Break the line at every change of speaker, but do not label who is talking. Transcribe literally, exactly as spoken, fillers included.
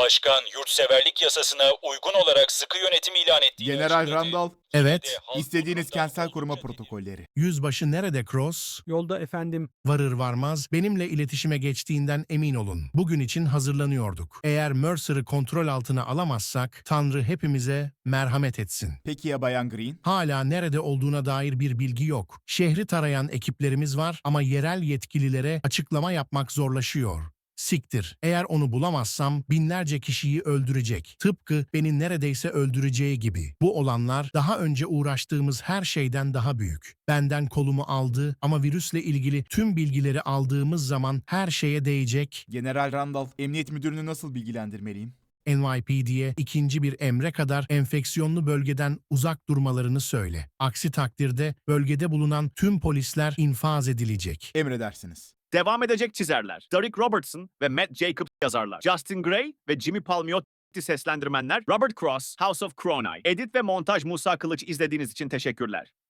Başkan, yurtseverlik yasasına uygun olarak sıkı yönetim ilan ettiğini
General
açıkladı.
Randall,
Evet.
istediğiniz kentsel koruma protokolleri.
Yüzbaşı nerede Cross?
Yolda efendim.
Varır varmaz benimle iletişime geçtiğinden emin olun. Bugün için hazırlanıyorduk. Eğer Mercer'ı kontrol altına alamazsak Tanrı hepimize merhamet etsin.
Peki ya Bayan Green?
Hala nerede olduğuna dair bir bilgi yok. Şehri tarayan ekiplerimiz var ama yerel yetkililere açıklama yapmak zorlaşıyor. Siktir. Eğer onu bulamazsam binlerce kişiyi öldürecek. Tıpkı beni neredeyse öldüreceği gibi. Bu olanlar daha önce uğraştığımız her şeyden daha büyük. Benden kolumu aldı ama virüsle ilgili tüm bilgileri aldığımız zaman her şeye değecek.
General Randall, emniyet müdürünü nasıl bilgilendirmeliyim?
N Y P D'ye ikinci bir emre kadar enfeksiyonlu bölgeden uzak durmalarını söyle. Aksi takdirde bölgede bulunan tüm polisler infaz edilecek.
Emredersiniz.
Devam edecek çizerler. Derek Robertson ve Matt Jacobs yazarlar. Justin Gray ve Jimmy Palmiotti seslendirmenler. Robert Cross, House of Cronai. Edit ve montaj Musa Kılıç izlediğiniz için teşekkürler.